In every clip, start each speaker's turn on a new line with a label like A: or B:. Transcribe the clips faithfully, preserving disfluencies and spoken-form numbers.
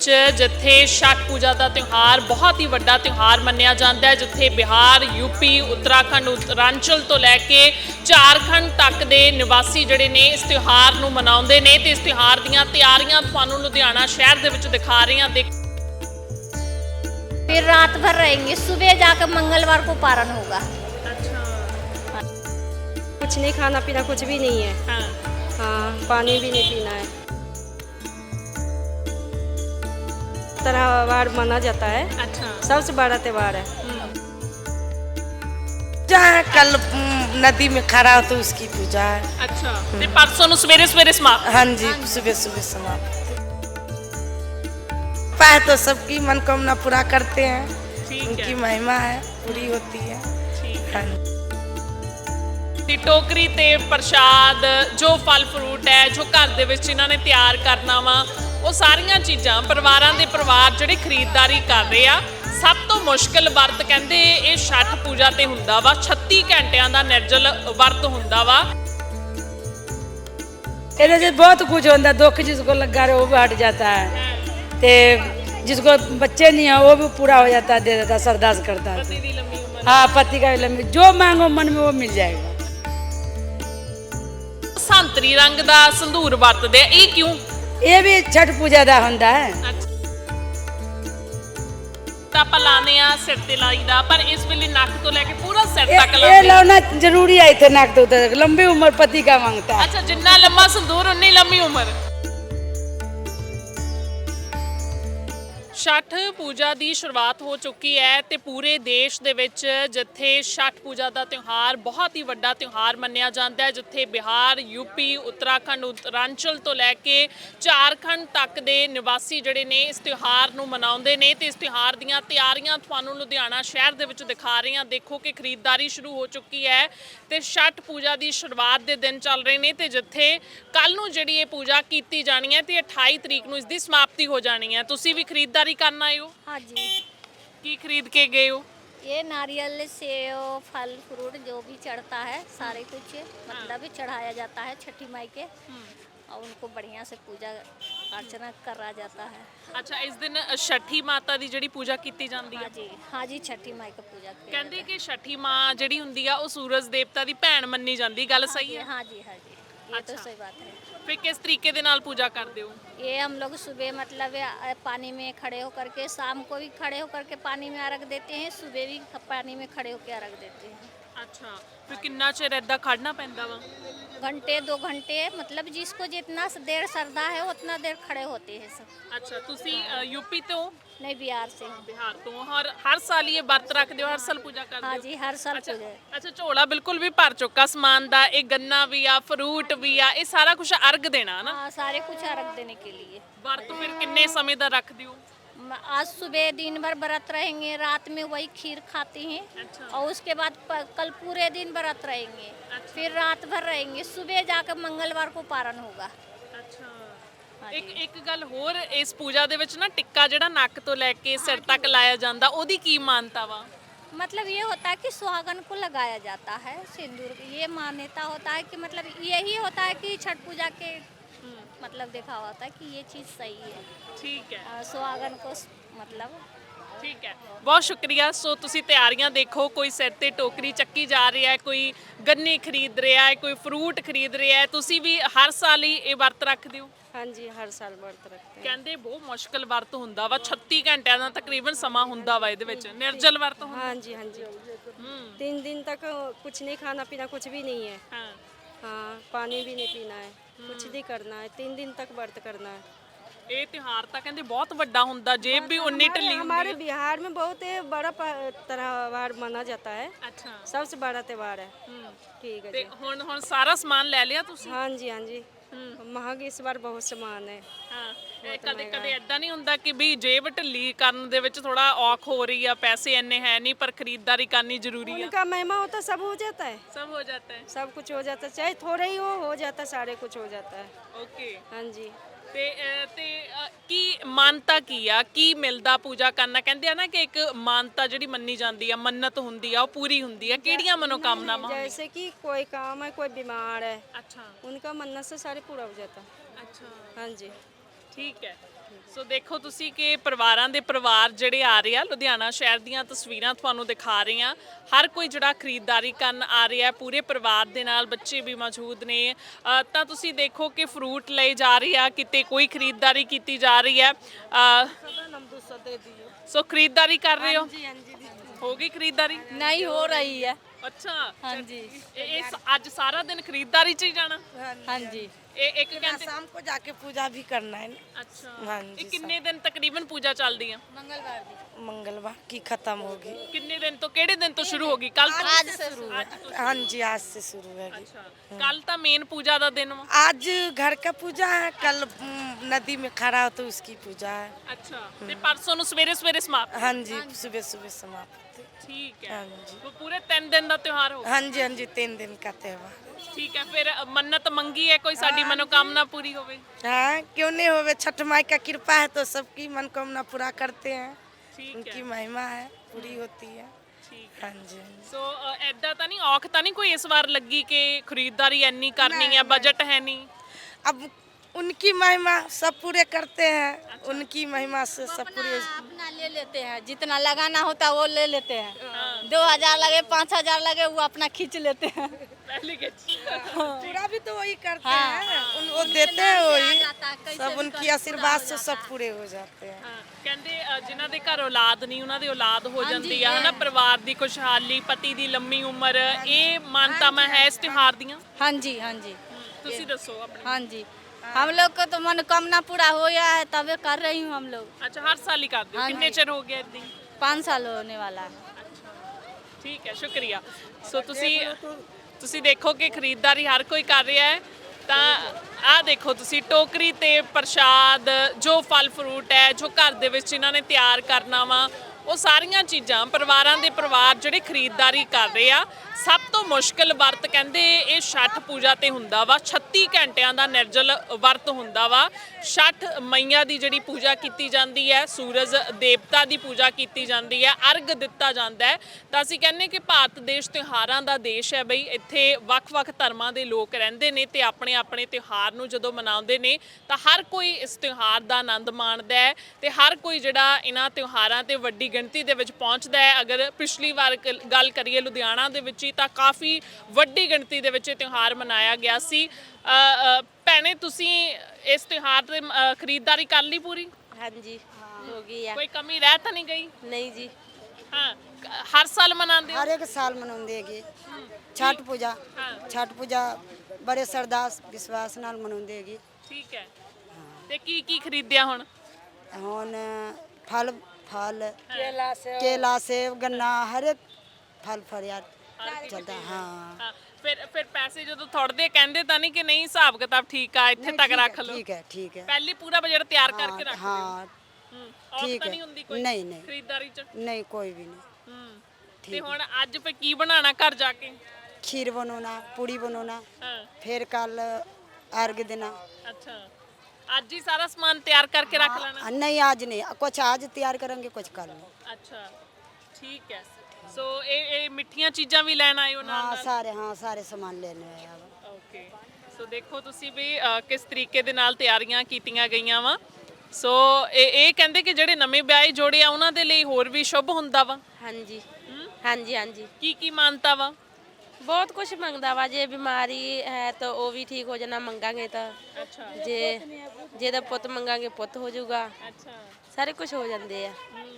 A: ਜਿੱਥੇ ਛठ ਪੂਜਾ ਦਾ ਤਿਉਹਾਰ ਬਹੁਤ ਹੀ ਵੱਡਾ ਤਿਉਹਾਰ ਮੰਨਿਆ ਜਾਂਦਾ ਹੈ, ਜਿੱਥੇ ਬਿਹਾਰ, ਯੂਪੀ, ਉੱਤਰਾਖੰਡ, ਉੱਤਰਾਂਚਲ ਤੋਂ ਲੈ ਕੇ ਝਾਰਖੰਡ ਤੱਕ ਦੇ ਨਿਵਾਸੀ ਜਿਹੜੇ ਨੇ ਇਸ ਤਿਉਹਾਰ ਨੂੰ ਮਨਾਉਂਦੇ ਨੇ ਤੇ ਇਸ ਤਿਉਹਾਰ ਦੀਆਂ ਤਿਆਰੀਆਂ ਤੁਹਾਨੂੰ ਲੁਧਿਆਣਾ ਸ਼ਹਿਰ ਦੇ ਵਿੱਚ ਦਿਖਾ ਰਹੇ ਹਾਂ। ਦੇਖ
B: फिर रात भर रहेंगे, सुबह जाकर मंगलवार को पारण होगा।
A: अच्छा,
C: कुछ नहीं खाना पीना, कुछ भी नहीं है।
A: हाँ,
C: हाँ, पानी भी नहीं पीना है। त्योहार माना जाता है,
A: अच्छा,
C: सबसे बड़ा त्योहार है।
D: जहाँ कल उम, नदी में खड़ा हो तो उसकी पूजा है।
A: अच्छा। ਤੇ ਪਰਸੋਂ ਨੂੰ ਸਵੇਰੇ ਸਵੇਰੇ ਸਮਾਪਤ।
D: हाँ जी, सुबह सुबह समाप्त। पाए तो सबकी मनोकामना पूरा करते हैं,
A: ठीक
D: उनकी
A: है,
D: महिमा है, पूरी होती है।
A: ठीक है।
D: हाँ जी।
A: ਤੇ ਟੋਕਰੀ ਤੇ ਪ੍ਰਸ਼ਾਦ, ਜੋ ਫਲ ਫਰੂਟ ਹੈ, ਜੋ ਘਰ ਦੇ ਵਿੱਚ ਇਹਨਾਂ ਨੇ ਤਿਆਰ ਕਰਨਾ ਵਾ, ਉਹ ਸਾਰੀਆਂ ਚੀਜ਼ਾਂ ਪਰਿਵਾਰਾਂ ਦੇ ਪਰਿਵਾਰ ਜਿਹੜੇ ਖਰੀਦਦਾਰੀ ਕਰ ਰਹੇ ਆ। ਸਭ ਤੋਂ ਮੁਸ਼ਕਿਲ ਵਰਤ ਕਹਿੰਦੇ ਇਹ ਛਠ ਪੂਜਾ ਤੇ ਹੁੰਦਾ ਵਾ। ਛੱਤੀ ਘੰਟਿਆਂ ਦਾ ਨਿਰਜਲ ਵਰਤ ਹੁੰਦਾ ਵਾ।
C: ਇਹਦੇ 'ਚ ਬਹੁਤ ਕੁਝ ਹੁੰਦਾ, ਦੁੱਖ ਜਿਸको लगा रहे वो भी हट जाता है, ते जिसको बच्चे नहीं है वो भी पूरा हो जाता है, दे देता है, सरदास करता है।
A: ਪਤੀ ਦੀ ਲੰਮੀ ਉਮਰ।
C: हाँ, पति का भी लंबी, जो मांगो मन में वो मिल जाएगा।
A: ਸੰਤਰੀ ਰੰਗ ਦਾ ਸੰਧੂਰ ਵਰਤਦੇ ਆ, ਇਹ ਕਿਉਂ?
C: ये भी छठ पूजा ਦਾ ਹੁੰਦਾ है।
A: ਤਾਂ ਆਪਾਂ ਲਾਉਂਦੇ ਆ ਸਿਰ ਤੇ ਲਾਈਦਾ, ਪਰ ਇਸ ਵੇਲੇ ਨੱਕ ਤੋਂ ਲੈ ਕੇ ਪੂਰਾ ਸਿਰ ਤੱਕ
C: ये
A: ਲਾਉਂਦੇ।
C: लाना जरूरी है, इतने नाक तो उतर, लंबी उम्र पति का मांगता है।
A: ਅੱਛਾ, ਜਿੰਨਾ ਲੰਮਾ ਸੰਧੂਰ ਉਨੀ ਲੰਮੀ ਉਮਰ। ਛਠ ਪੂਜਾ ਦੀ ਸ਼ੁਰੂਆਤ ਹੋ ਚੁੱਕੀ ਹੈ ਤੇ ਪੂਰੇ ਦੇਸ਼ ਦੇ ਵਿੱਚ ਜਿੱਥੇ ਛਠ ਪੂਜਾ ਦਾ ਤਿਉਹਾਰ ਬਹੁਤ ਹੀ ਵੱਡਾ ਤਿਉਹਾਰ ਮੰਨਿਆ ਜਾਂਦਾ ਹੈ, ਜਿੱਥੇ ਬਿਹਾਰ, ਯੂਪੀ, ਉੱਤਰਾਖੰਡ, ਉੱਤਰਾਂਚਲ ਤੋਂ ਲੈ ਕੇ ਝਾਰਖੰਡ ਤੱਕ ਦੇ ਨਿਵਾਸੀ ਜਿਹੜੇ ਨੇ ਇਸ ਤਿਉਹਾਰ ਨੂੰ ਮਨਾਉਂਦੇ ਨੇ ਤੇ ਇਸ ਤਿਉਹਾਰ ਦੀਆਂ ਤਿਆਰੀਆਂ ਤੁਹਾਨੂੰ ਲੁਧਿਆਣਾ ਸ਼ਹਿਰ ਦੇ ਵਿੱਚ ਦਿਖਾ ਰਹੇ ਹਾਂ। ਦੇਖੋ ਕਿ ਖਰੀਦਦਾਰੀ ਸ਼ੁਰੂ ਹੋ ਚੁੱਕੀ ਹੈ ਤੇ ਛਠ ਪੂਜਾ ਦੀ ਸ਼ੁਰੂਆਤ ਦੇ ਦਿਨ ਚੱਲ ਰਹੇ ਨੇ ਤੇ ਜਿੱਥੇ ਕੱਲ ਨੂੰ ਜਿਹੜੀ ਇਹ ਪੂਜਾ ਕੀਤੀ ਜਾਣੀ ਹੈ ਤੇ ਅਠਾਈ ਤਰੀਕ ਨੂੰ ਇਸ ਦੀ ਸਮਾਪਤੀ ਹੋ ਜਾਣੀ ਹੈ। ਤੁਸੀਂ ਵੀ ਖਰੀਦਦਾਰੀ करना आए हो?
B: हाँ जी,
A: की खरीद के गए हो?
B: ये नारियल, सेव, फल फ्रूट जो भी चढ़ता है सारे कुछ मतलब चढ़ाया जाता है छठी माई के, और उनको बढ़िया से पूजा अर्चना करा जाता है।
A: अच्छा, इस दिन छठी माता दी ਜਿਹੜੀ ਪੂਜਾ ਕੀਤੀ ਜਾਂਦੀ
B: हाँ
A: ਹੈ।
B: जी, हाँ जी, छठी माई का पूजा किया
A: ਕਹਿੰਦੇ
B: जाता
A: ਕਿ ਛठी ਮਾਂ ਜਿਹੜੀ ਹੁੰਦੀ ਆ ਉਹ ਸੂਰਜ ਦੇਵਤਾ ਦੀ ਭੈਣ ਮੰਨੀ ਜਾਂਦੀ, ਗੱਲ ਸਹੀ
B: है।
A: ਹੈ?
B: हाँ जी, हाँ जी, ये तो
A: अच्छा।
B: सही बात है।
A: ਫਿਰ ਕਿਸ ਤਰੀਕੇ ਦੇ ਨਾਲ ਪੂਜਾ ਕਰਦੇ ਹੋ?
B: ये हम लोग सुबह मतलब अ, पानी में खड़े होकर के, शाम को भी खड़े होकर के पानी में अर्घ देते हैं, सुबह भी ख- पानी में खड़े होकर अर्घ देते हैं।
A: ਅੱਛਾ, ਫਿਰ ਕਿੰਨਾ ਚਿਰ ਏਦਾਂ ਖੜਨਾ ਪੈਂਦਾ ਵਾ?
B: घंटे दो घंटे मतलब जिसको जितना देर श्रद्धा है उतना देर खड़े होते हैं सब।
A: ਅੱਛਾ, ਤੁਸੀਂ ਯੂਪੀ ਤੋਂ?
B: नहीं, बिहार से हूँ।
A: ਬਿਹਾਰ ਤੋਂ। ਹਰ ਹਰ ਸਾਲ ਹੀ ਇਹ ਵਰਤ ਰੱਖਦੇ ਹੋ, ਹਰ ਸਾਲ ਪੂਜਾ ਕਰਦੇ
B: हाँ
A: ਹੋ?
B: जी, हर साल
A: ਅੱਛਾ
B: पूजा है।
A: ਅੱਛਾ, ਝੋਲਾ ਬਿਲਕੁਲ ਵੀ ਭਰ ਚੁੱਕਾ ਸਮਾਨ ਦਾ। ਇਹ ਗੰਨਾ ਵੀ ਆ, ਫਰੂਟ ਵੀ ਆ, ਇਹ ਸਾਰਾ ਕੁਝ ਅਰਗ ਦੇਣਾ ਨਾ?
B: हाँ, सारे कुछ अर्घ देने के लिए।
A: ਵਰਤ ਫਿਰ ਕਿੰਨੇ ਸਮੇਂ ਦਾ ਰੱਖਦੇ ਹੋ?
B: म- आज सुबह दिन भर व्रत रहेंगे, रात में वही खीर खाते हैं,
A: अच्छा।
B: और उसके बाद प- कल पूरे दिन व्रत रहेंगे, फिर रात भर रहेंगे, सुबह जाकर मंगलवार को पारण होगा।
A: ਅੱਛਾ,
B: हाँ
A: ਇੱਕ
B: जी।
A: ਇੱਕ ਗੱਲ ਹੋਰ, ਇਸ ਪੂਜਾ ਦੇ ਵਿੱਚ ਨਾ ਟਿੱਕਾ ਜਿਹੜਾ ਨੱਕ ਤੋਂ ਲੈ ਕੇ ਸਿਰ ਤੱਕ ਲਾਇਆ ਜਾਂਦਾ, ਉਹਦੀ ਕੀ ਮਾਨਤਾ ਵਾ?
B: मतलब ये होता है कि सुहागन को लगाया जाता है सिंदूर, ये मान्यता होता है कि मतलब यही होता है कि छठ पूजा के मतलब देखा होता है कि ये चीज़ सही है,
A: ਠੀਕ ਹੈ,
B: अ, सुहागन को स- मतलब
A: ਠੀਕ ਹੈ, ਬਹੁਤ ਸ਼ੁਕਰੀਆ। ਸੋ ਤੁਸੀਂ ਤਿਆਰੀਆਂ ਦੇਖੋ, ਕੋਈ ਸਿਰ ਤੇ ਟੋਕਰੀ ਚੱਕੀ ਜਾ ਰਹੀ ਹੈ, ਕੋਈ ਗੰਨੇ ਖਰੀਦ ਰਿਹਾ ਹੈ, ਕੋਈ ਫਰੂਟ ਖਰੀਦ ਰਿਹਾ ਹੈ। ਤੁਸੀਂ ਵੀ ਹਰ ਸਾਲ ਹੀ ਇਹ ਵਰਤ ਰੱਖਦੇ ਹੋ?
C: हाँ जी, हर साल व्रत रखते हैं।
A: ਕਹਿੰਦੇ ਬਹੁਤ ਮੁਸ਼ਕਲ ਵਰਤ ਹੁੰਦਾ ਵਾ, ਛੱਤੀ ਘੰਟਿਆਂ ਦਾ ਤਕਰੀਬਨ ਸਮਾਂ ਹੁੰਦਾ ਵਾ ਇਹਦੇ ਵਿੱਚ, ਨਿਰਜਲ ਵਰਤ ਹੁੰਦਾ।
C: हाँ जी, हाँ जी,
A: ਹੂੰ,
C: तीन दिन तक कुछ नहीं खाना पीना, कुछ भी नहीं है।
A: ਹਾਂ,
C: हाँ, पानी भी नहीं पीना है, कुछ नहीं करना है, तीन दिन तक व्रत करना है।
A: ਇਹ ਤਿਉਹਾਰ ਤਾਂ ਕਹਿੰਦੇ ਬਹੁਤ ਵੱਡਾ ਹੁੰਦਾ, ਜੇਬ ਵੀ ਉਨੀ
C: हमारे,
A: ਢਿੱਲੀ
C: हमारे
A: ਹੁੰਦੀ ਹੈ।
C: बिहार में बहुत ही बड़ा प- त्योहार माना जाता है,
A: ਅੱਛਾ,
C: सबसे बड़ा त्योहार है।
A: ਹੂੰ,
C: ठीक है
A: ਤੇ
C: जी।
A: ਹੁਣ ਹੁਣ ਸਾਰਾ ਸਮਾਨ ਲੈ ਲਿਆ ਤੁਸੀਂ?
C: हाँ जी, हाँ जी,
A: ਹੂੰ,
C: महंग इस बार बहुत सामान है।
A: ਹਾਂ, ਇਹ ਕਦੇ ਕਦੇ ਐਦਾਂ ਨਹੀਂ ਹੁੰਦਾ ਕਿ ਵੀ ਜੇਬ ਢਿੱਲੀ ਕਰਨ ਦੇ ਵਿੱਚ ਥੋੜਾ ਔਖ ਹੋ ਰਹੀ ਆ, ਪੈਸੇ ਇੰਨੇ ਹੈ ਨਹੀਂ ਪਰ ਖਰੀਦਦਾਰੀ करनी जरूरी है?
C: उनका महिमा होता सब हो जाता है,
A: सब हो जाता है।
C: सब कुछ हो जाता है, चाहे थोड़ा ही हो हो जाता है, सारे कुछ हो जाता है।
A: ओके,
C: हाँ जी।
A: ਤੇ ਅਹ, ਤੇ ਅਹ, ਕੀ ਮਾਨਤਾ ਕੀ ਆ, ਕੀ ਮਿਲਦਾ ਪੂਜਾ ਕਰਨਾ? ਕਹਿੰਦੇ ਆ ਨਾ ਕਿ ਇੱਕ ਮਾਨਤਾ ਜਿਹੜੀ ਮੰਨੀ ਜਾਂਦੀ ਆ, ਮੰਨਤ ਹੁੰਦੀ ਆ, ਉਹ ਪੂਰੀ ਹੁੰਦੀ ਆ। ਕਿਹੜੀਆਂ ਮਨੋਕਾਮਨਾਵਾਂ ਹੁੰਦੀਆਂ?
C: जैसे कि कोई काम है, कोई बीमार है,
A: ਅੱਛਾ,
C: उनका मन्नत से सारे पूरा हो जाता है।
A: ਅੱਛਾ,
C: हाँ जी।
A: ਠੀਕ ਹੈ, ਸੋ ਦੇਖੋ ਤੁਸੀਂ ਕਿ ਪਰਿਵਾਰਾਂ ਦੇ ਪਰਿਵਾਰ ਜਿਹੜੇ ਆ ਰਹੇ ਆ, ਲੁਧਿਆਣਾ ਸ਼ਹਿਰ ਦੀਆਂ ਤਸਵੀਰਾਂ ਤੁਹਾਨੂੰ ਦਿਖਾ ਰਹੇ ਆ। ਹਰ ਕੋਈ ਜਿਹੜਾ ਖਰੀਦਦਾਰੀ ਕਰਨ ਆ ਰਿਹਾ, ਪੂਰੇ ਪਰਿਵਾਰ ਦੇ ਨਾਲ ਬੱਚੇ ਵੀ ਮੌਜੂਦ ਨੇ। ਅ, ਤਾਂ ਤੁਸੀਂ ਦੇਖੋ ਕਿ ਫਰੂਟ ਲਏ ਜਾ ਰਹੇ ਆ, ਕਿਤੇ ਕੋਈ ਖਰੀਦਦਾਰੀ ਕੀਤੀ ਜਾ ਰਹੀ ਹੈ। ਅ, ਸੋ ਖਰੀਦਦਾਰੀ ਕਰ ਰਹੇ ਹੋ? ਹੋ ਗਈ ਖਰੀਦਦਾਰੀ?
B: नहीं हो रही है।
A: ਅੱਛਾ
B: हाँ जी
A: ਇਹ ਇਹ ਅੱਜ ਸਾਰਾ ਦਿਨ ਖਰੀਦਦਾਰੀ 'ਚ ਹੀ ਜਾਣਾ?
B: हाँ जी
A: ਇਹ ਇੱਕ ਘੰਟੇ?
D: शाम को जाके पूजा भी करना है ना।
A: ਅੱਛਾ
D: हाँ
A: ਇਹ
D: जी
A: ਕਿੰਨੇ ਦਿਨ ਤਕਰੀਬਨ ਪੂਜਾ ਚੱਲਦੀ ਆ?
B: मंगलवार की
D: मंगलवार की खत्म होगी।
A: ਕਿੰਨੇ ਦਿਨ ਤੋਂ, ਕਿਹੜੇ ਦਿਨ ਤੋਂ ਸ਼ੁਰੂ ਹੋਗੀ? ਕੱਲ ਤੋਂ?
B: आज से शुरू है।
D: हाँ जी आज से शुरू होगी।
A: ਅੱਛਾ ਕੱਲ ਤਾਂ ਮੇਨ ਪੂਜਾ ਦਾ ਦਿਨ ਵਾ।
D: आज घर का पूजा है, कल हम्म, नदी में खड़ा हो तो उसकी पूजा है।
A: ਅੱਛਾ ਤੇ ਪਰਸੋਂ ਨੂੰ ਸਵੇਰੇ ਸਵੇਰੇ ਸਮਾਪਤ?
D: हाँ जी सुबह सुबह समाप्त।
A: ਠੀਕ ਹੈ।
D: हाँ जी
A: ਉਹ ਪੂਰੇ ਤਿੰਨ ਦਿਨ ਦਾ ਤਿਉਹਾਰ ਹੋਊਗਾ?
D: हाँ जी हाँ जी तीन दिन का त्योहार।
A: ਠੀਕ ਹੈ। ਫਿਰ ਮੰਨਤ ਮੰਗੀ ਹੈ ਕੋਈ ਸਾਡੀ ਮਨੋਕਾਮਨਾ ਪੂਰੀ ਹੋਵੇ?
D: हाँ क्यों नहीं होवे, छठ माई का कृपा है तो सबकी मनोकामना पूरा करते हैं।
A: ਠੀਕ
D: उनकी
A: ਹੈ
D: महिमा है, पूरी होती है।
A: ਠੀਕ ਹੈ।
D: हाँ जी हाँ जी।
A: ਸੋ ਐਦਾਂ ਤਾਂ ਨਹੀਂ, ਔਖ ਤਾਂ ਨਹੀਂ ਕੋਈ ਇਸ ਵਾਰ ਲੱਗੀ ਕਿ ਖਰੀਦਦਾਰੀ ਇੰਨੀ ਕਰਨੀ ਹੈ, ਬਜਟ ਹੈ ਨਹੀਂ?
D: अब उनकी महिमा सब पूरे करते हैं। उनकी महिमा से सब पूरे।
B: अपना ले लेते हैं, जितना लगाना होता है वो ले लेते हैं। दो हजार लगे पाँच हजार लगे वो अपना खींच लेते हैं।
A: ਪਹਿਲੀ ਗਿੱਚ।
D: पूरा भी तो वही करते हैं, उन वो देते हैं वही। सब उनकी आशीर्वाद से सब पूरे हो जाते हैं।
A: ਹਾਂ, ਕਹਿੰਦੇ ਅ, ਜਿਨ੍ਹਾਂ ਦੇ ਘਰ ਔਲਾਦ ਨਹੀਂ ਉਹਨਾਂ ਦੀ ਔਲਾਦ ਹੋ ਜਾਂਦੀ ਆ, ਹਨਾ? ਪਰਿਵਾਰ ਦੀ ਖੁਸ਼ਹਾਲੀ, ਪਤੀ ਦੀ ਲੰਮੀ ਉਮਰ, ਇਹ ਮਾਨਤਾਵਾਂ ਹੈ ਇਸ ਤਿਉਹਾਰ ਦੀਆਂ।
B: हाँ जी हाँ जी
A: ਤੁਸੀਂ ਦੱਸੋ ਆਪਣੀ।
B: हाँ जी हम लोग को तो मनोकामना पूरा हो गया है, तबे कर रही हूँ हम लोग।
A: ਅੱਛਾ ਹਰ ਸਾਲ ਹੀ ਕਰਦੇ ਹੋ?
B: ਹਾਂਜੀ।
A: ਕਿੰਨੇ ਚਿਰ ਹੋ ਗਿਆ ਇਦਾਂ?
B: पाँच साल होने वाला है।
A: ਠੀਕ ਹੈ, ਸ਼ੁਕਰੀਆ। ਸੋ ਤੁਸੀਂ ਤੁਸੀਂ ਦੇਖੋ ਕਿ ਖਰੀਦਦਾਰੀ ਹਰ ਕੋਈ ਕਰ ਰਿਹਾ ਹੈ। ਤਾਂ ਆਹ ਦੇਖੋ ਤੁਸੀਂ ਟੋਕਰੀ ਤੇ ਪ੍ਰਸ਼ਾਦ, ਜੋ ਫਲ ਫਰੂਟ ਹੈ, ਜੋ ਘਰ ਦੇ ਵਿੱਚ ਇਹਨਾਂ ਨੇ ਤਿਆਰ ਕਰਨਾ ਵਾ, ਉਹ ਸਾਰੀਆਂ ਚੀਜ਼ਾਂ ਪਰਿਵਾਰਾਂ ਦੇ ਪਰਿਵਾਰ ਜਿਹੜੇ ਖਰੀਦਦਾਰੀ ਕਰ ਰਹੇ ਆ। ਸਭ ਤੋਂ ਮੁਸ਼ਕਲ ਵਰਤ ਕਹਿੰਦੇ ਇਹ ਛਠ ਪੂਜਾ ਤੇ ਹੁੰਦਾ ਵਾ। ਛੱਤੀ ਘੰਟਿਆਂ ਦਾ ਨਿਰਜਲ ਵਰਤ ਹੁੰਦਾ ਵਾ। ਛਠ ਮਈਆ ਦੀ ਜਿਹੜੀ ਪੂਜਾ ਕੀਤੀ ਜਾਂਦੀ ਹੈ, ਸੂਰਜ ਦੇਵਤਾ ਦੀ ਪੂਜਾ ਕੀਤੀ ਜਾਂਦੀ ਹੈ, ਅਰਗ ਦਿੱਤਾ ਜਾਂਦਾ ਹੈ। ਤਾਂ ਅਸੀਂ ਕਹਿੰਦੇ ਕਿ ਭਾਰਤ ਦੇਸ਼ ਤਿਉਹਾਰਾਂ ਦਾ ਦੇਸ਼ ਹੈ ਬਈ। ਇੱਥੇ ਵੱਖ-ਵੱਖ ਧਰਮਾਂ ਦੇ ਲੋਕ ਰਹਿੰਦੇ ਨੇ ਤੇ ਆਪਣੇ ਆਪਣੇ ਤਿਉਹਾਰ ਨੂੰ ਜਦੋਂ ਮਨਾਉਂਦੇ ਨੇ ਤਾਂ ਹਰ ਕੋਈ ਇਸ ਤਿਉਹਾਰ ਦਾ ਆਨੰਦ ਮਾਣਦਾ ਹੈ ਤੇ ਹਰ ਕੋਈ ਜਿਹੜਾ ਇਹਨਾਂ ਤਿਉਹਾਰਾਂ ਤੇ ਵੱਡੀ ਗਿਣਤੀ ਦੇ ਵਿੱਚ ਪਹੁੰਚਦਾ ਹੈ। ਅਗਰ ਪਿਛਲੀ ਵਾਰ ਕ- ਗੱਲ ਕਰੀਏ ਲੁਧਿਆਣਾ ਦੇ ਵਿੱਚ ਹੀ ਤਾਂ ਕਾਫੀ ਵੱਡੀ ਗਿਣਤੀ ਦੇ ਵਿੱਚ ਇਹ ਤਿਉਹਾਰ ਮਨਾਇਆ ਗਿਆ ਸੀ। ਅ, ਅ, ਭੈਣੇ ਤੁਸੀਂ ਇਸ ਤਿਉਹਾਰ ਤੇ ਅ, ਖਰੀਦਦਾਰੀ ਕਰ ਲਈ ਪੂਰੀ?
E: हाँ जी हो गई है।
A: ਕੋਈ ਕਮੀ ਰਹਿ ਤਾਂ ਨਹੀਂ ਗਈ?
E: नहीं जी
A: ਹਾਂ, ਕ- ਹਰ ਸਾਲ ਮਨਾਉਂਦੇ ਹੋ?
F: हर एक साल मनाउंदेगी छठ पूजा।
A: हाँ।
F: छठ पूजा बड़े सरदास विश्वास नाल मनाउंदेगी।
A: ਠੀਕ ਹੈ। ਤੇ ਕੀ ਕੀ ਖਰੀਦਿਆ ਹੁਣ?
F: हुन फल फल
C: केला से
F: केला सेब गन्ना हर एक फल फरियाद चलता। हाँ
A: ਹਾਂ, ਫਿਰ ਫਿਰ ਪੈਸੇ ਜਦੋਂ ਥੋੜਦੇ ਕਹਿੰਦੇ ਤਾਂ ਨਹੀਂ ਕਿ ਨਹੀਂ ਹਿਸਾਬ ਕਿਤਾਬ ਠੀਕ ਆ, ਇੱਥੇ
F: नहीं,
A: ਤੱਕ
F: ठीक
A: ਰੱਖ
F: है,
A: ਲਓ?
F: ठीक है ठीक है।
A: ਪਹਿਲੇ ਪੂਰਾ ਬਜਟ ਤਿਆਰ ਕਰਕੇ ਰੱਖ
F: हाँ
A: ਲਓ?
F: हाँ
A: ਹੂੰ, ਔਖ
F: ठीक
A: ਤਾਂ
F: है।
A: ਨਹੀਂ ਹੁੰਦੀ ਕੋਈ
F: नहीं नहीं
A: ਖਰੀਦਦਾਰੀ 'ਚ?
F: नहीं कोई भी नहीं।
A: ਹੂੰ। ਤੇ
F: ठीक
A: ਹੁਣ ਅੱਜ ਫਿਰ ਕੀ ਬਣਾਉਣਾ ਘਰ ਜਾ ਕੇ?
F: खीर बनाना पूड़ी बनाना
A: ਹਾਂ,
F: फिर कल अर्घ देना।
A: ਅੱਛਾ ਅੱਜ ਹੀ ਸਾਰਾ ਸਮਾਨ ਤਿਆਰ ਕਰਕੇ ਰੱਖ ਲੈਣਾ?
F: हाँ, नहीं आज नहीं, कुछ आज तैयार करेंगे कुछ कल नहीं।
A: ਅੱਛਾ ਠੀਕ ਹੈ। ਸੋ ਇਹ ਇਹ ਮਿੱਠੀਆਂ ਚੀਜ਼ਾਂ ਵੀ ਲੈਣ ਆਏ ਹੋ ਨਾਲ
F: हाँ
A: ਨਾਲ?
F: सारे हाँ सारे सामान लेने आए अब।
A: ਓਕੇ। ਸੋ ਦੇਖੋ ਤੁਸੀਂ ਵੀ ਅ, ਕਿਸ ਤਰੀਕੇ ਦੇ ਨਾਲ ਤਿਆਰੀਆਂ ਕੀਤੀਆਂ ਗਈਆਂ ਵਾ। ਸੋ ਇਹ ਇਹ ਕਹਿੰਦੇ ਕਿ ਜਿਹੜੇ ਨਵੇਂ ਵਿਆਹੇ ਜੋੜੇ ਆ ਉਹਨਾਂ ਦੇ ਲਈ ਹੋਰ ਵੀ ਸ਼ੁਭ ਹੁੰਦਾ ਵਾ।
E: हाँ जी हाँ जी हाँ जी
A: ਕੀ ਕੀ ਮਾਨਤਾ ਵਾ?
E: बहुत कुछ मंगदा वा। जे बीमारी है तो वो भी ठीक हो जाना मंगांगे तो।
A: ਅੱਛਾ
E: जे जेदा पुत मंगांगे पुत हो जाऊगा।
A: ਅੱਛਾ।
E: सारे कुछ हो जाते हैं।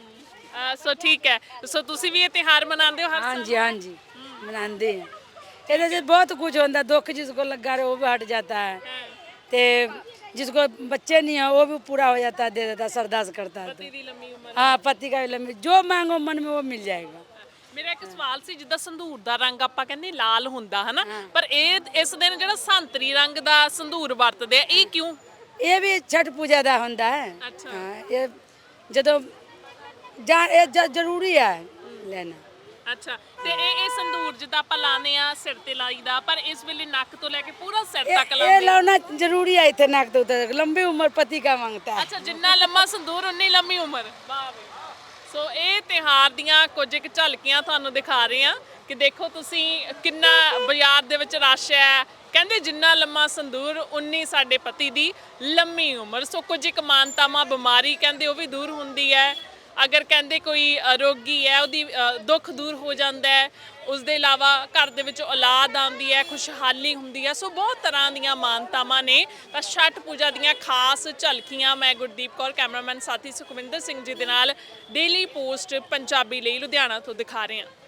A: ਅ, ਸੋ ਠੀਕ ਹੈ। ਸੋ ਤੁਸੀਂ ਵੀ ਇਹ ਤਿਉਹਾਰ ਮਨਾਉਂਦੇ ਹੋ ਹਰ
C: हाँ
A: ਸਾਲ?
C: जी हाँ जी मनाते हैं। ਇਹਦੇ 'ਚ ਬਹੁਤ ਕੁਝ ਹੁੰਦਾ, ਦੁੱਖ जिसको लगा रहे वो भी हट जाता है, ते जिसको बच्चे नहीं है वो भी पूरा हो जाता है, दे देता है, सरदास करता है।
A: ਪਤੀ ਦੀ ਲੰਮੀ ਉਮਰ।
C: हाँ पति का भी लंबी, जो मांगो मन में वो मिल जाएगा।
A: ਮੇਰਾ ਇੱਕ ਸਵਾਲ ਸੀ, ਜਿੱਦਾਂ ਸੰਧੂਰ ਦਾ ਰੰਗ ਆਪਾਂ ਕਹਿੰਦੇ ਲਾਲ ਹੁੰਦਾ ਹਨਾ, ਪਰ ਇਹ ਇਸ ਦਿਨ ਜਿਹੜਾ ਸੰਤਰੀ ਰੰਗ ਦਾ ਸੰਧੂਰ ਵਰਤਦੇ ਆ, ਇਹ ਕਿਉਂ?
C: ਇਹ ਵੀ ਛਠ ਪੂਜਾ ਦਾ ਹੁੰਦਾ ਹੈ।
A: ਅੱਛਾ।
C: ਹਾਂ, ਇਹ ਜਦੋਂ ਜਾਂ ਇਹ ਜ- ਜ਼ਰੂਰੀ ਹੈ ਲੈਣਾ।
A: ਅੱਛਾ। ਤੇ ਇਹ ਇਹ ਸੰਧੂਰ ਜਿੱਦਾਂ ਆਪਾਂ ਲਾਉਂਦੇ ਆ ਸਿਰ ਤੇ ਲਾਈਦਾ, ਪਰ ਇਸ ਵੇਲੇ ਨੱਕ ਤੋਂ ਲੈ ਕੇ ਪੂਰਾ ਸਿਰ
C: ਇਹ
A: ਤੱਕ
C: ਇਹ
A: ਲਾਉਂਦੇ ਆ।
C: ਲਾਉਣਾ ਜ਼ਰੂਰੀ ਹੈ ਇੱਥੇ ਨੱਕ ਤੋਂ ਉੱਤੇ। ਲੰਬੀ ਉਮਰ ਪਤੀ का मांगता है।
A: ਅੱਛਾ, ਜਿੰਨਾ ਲੰਮਾ ਸੰਧੂਰ ਉਨੀ ਲੰਮੀ ਉਮਰ। ਵਾਹ ਵੇ। ਸੋ ਇਹ ਤਿਉਹਾਰ ਦੀਆਂ ਕੁਝ ਇੱਕ ਝਲਕੀਆਂ ਤੁਹਾਨੂੰ ਦਿਖਾ ਰਹੇ ਆ ਕਿ ਦੇਖੋ ਤੁਸੀਂ ਕਿੰਨਾ ਬਾਜ਼ਾਰ ਦੇ ਵਿੱਚ ਰਸ਼ ਹੈ। ਕਹਿੰਦੇ ਜਿੰਨਾ ਲੰਮਾ ਸੰਦੂਰ ਉਨੀ ਸਾਡੇ ਪਤੀ ਦੀ ਲੰਮੀ ਉਮਰ। ਸੋ ਕੁਝ ਇੱਕ ਮਾਨਤਾਵਾਂ ਬਿਮਾਰੀ ਕਹਿੰਦੇ ਉਹ ਵੀ ਦੂਰ ਹੁੰਦੀ ਹੈ। ਅਗਰ ਕਹਿੰਦੇ ਕੋਈ ਅ, ਰੋਗੀ ਹੈ ਉਹਦੀ ਅ, ਦੁੱਖ ਦੂਰ ਹੋ ਜਾਂਦਾ ਹੈ। ਉਸ ਦੇ ਇਲਾਵਾ ਘਰ ਦੇ ਵਿੱਚ ਔਲਾਦ ਆਉਂਦੀ ਹੈ, ਖੁਸ਼ਹਾਲੀ ਹੁੰਦੀ ਹੈ। ਸੋ ਬਹੁਤ ਤਰ੍ਹਾਂ ਦੀਆਂ ਮਾਨਤਾਵਾਂ ਨੇ। ਤਾਂ ਛਠ ਪੂਜਾ ਦੀਆਂ ਖਾਸ ਝਲਕੀਆਂ ਮੈਂ ਗੁਰਦੀਪ ਕੌਰ ਕੈਮਰਾਮੈਨ ਸਾਥੀ ਸੁਖਵਿੰਦਰ ਸਿੰਘ ਜੀ ਦੇ ਨਾਲ ਡੇਲੀ ਪੋਸਟ ਪੰਜਾਬੀ ਲਈ ਲੁਧਿਆਣਾ ਤੋਂ ਦਿਖਾ ਰਹੇ ਹਾਂ।